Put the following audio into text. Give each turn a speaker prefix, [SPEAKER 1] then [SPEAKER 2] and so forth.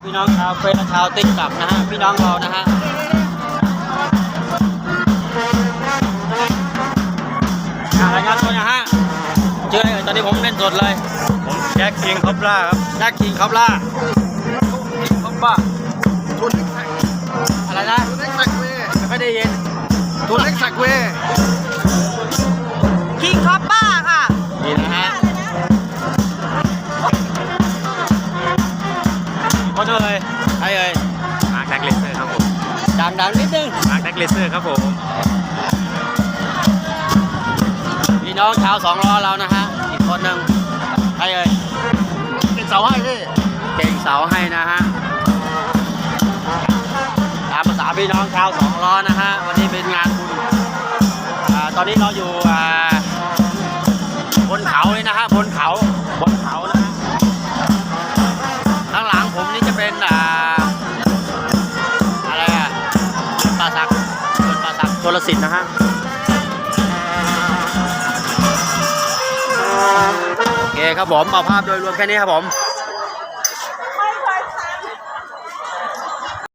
[SPEAKER 1] พี่น้องชาวเฟซชาวติ๊กต็อกนะฮะพี่น้องเรานะฮะรายงานตัวนะฮะชื่ออะไรตอนนี้ผมเล่นสดเลย
[SPEAKER 2] ผมแจ็คคิงคอปล่าครับ
[SPEAKER 1] แจ็คคิงคอปล่าคอปล่าอะไรนะ
[SPEAKER 3] ทุนเล็กสักเว
[SPEAKER 1] ไม่ได้ยิน
[SPEAKER 3] ทุนเล็กสักเว
[SPEAKER 4] คิงคอปป้าค่ะ
[SPEAKER 1] นี่นะฮะคนเลยใครเอ่ย
[SPEAKER 2] มาร์คแดกเลเซอร์ครับผม
[SPEAKER 1] ดังนิดนึง
[SPEAKER 2] มาร์คแดกเลเซอร์ครับผม
[SPEAKER 1] พี่น้องชาวสองล้อเรานะฮะอีกคนหนึ่งใครเอ่ย
[SPEAKER 3] เป็นเสาให้พี่
[SPEAKER 1] เก่งเสาให้นะฮะตามภาษาพี่น้องชาวสองล้อนะฮะวันนี้เป็นงานบุญตอนนี้เราอยู่บนเขาเลยนะฮะบนเขานะฮะข้างหลังผมนี่จะเป็นอะไรป่าสักชลสิทธิ์นะฮะโอเคครับผมเอาภาพโดยรวมแค่นี้ครับผม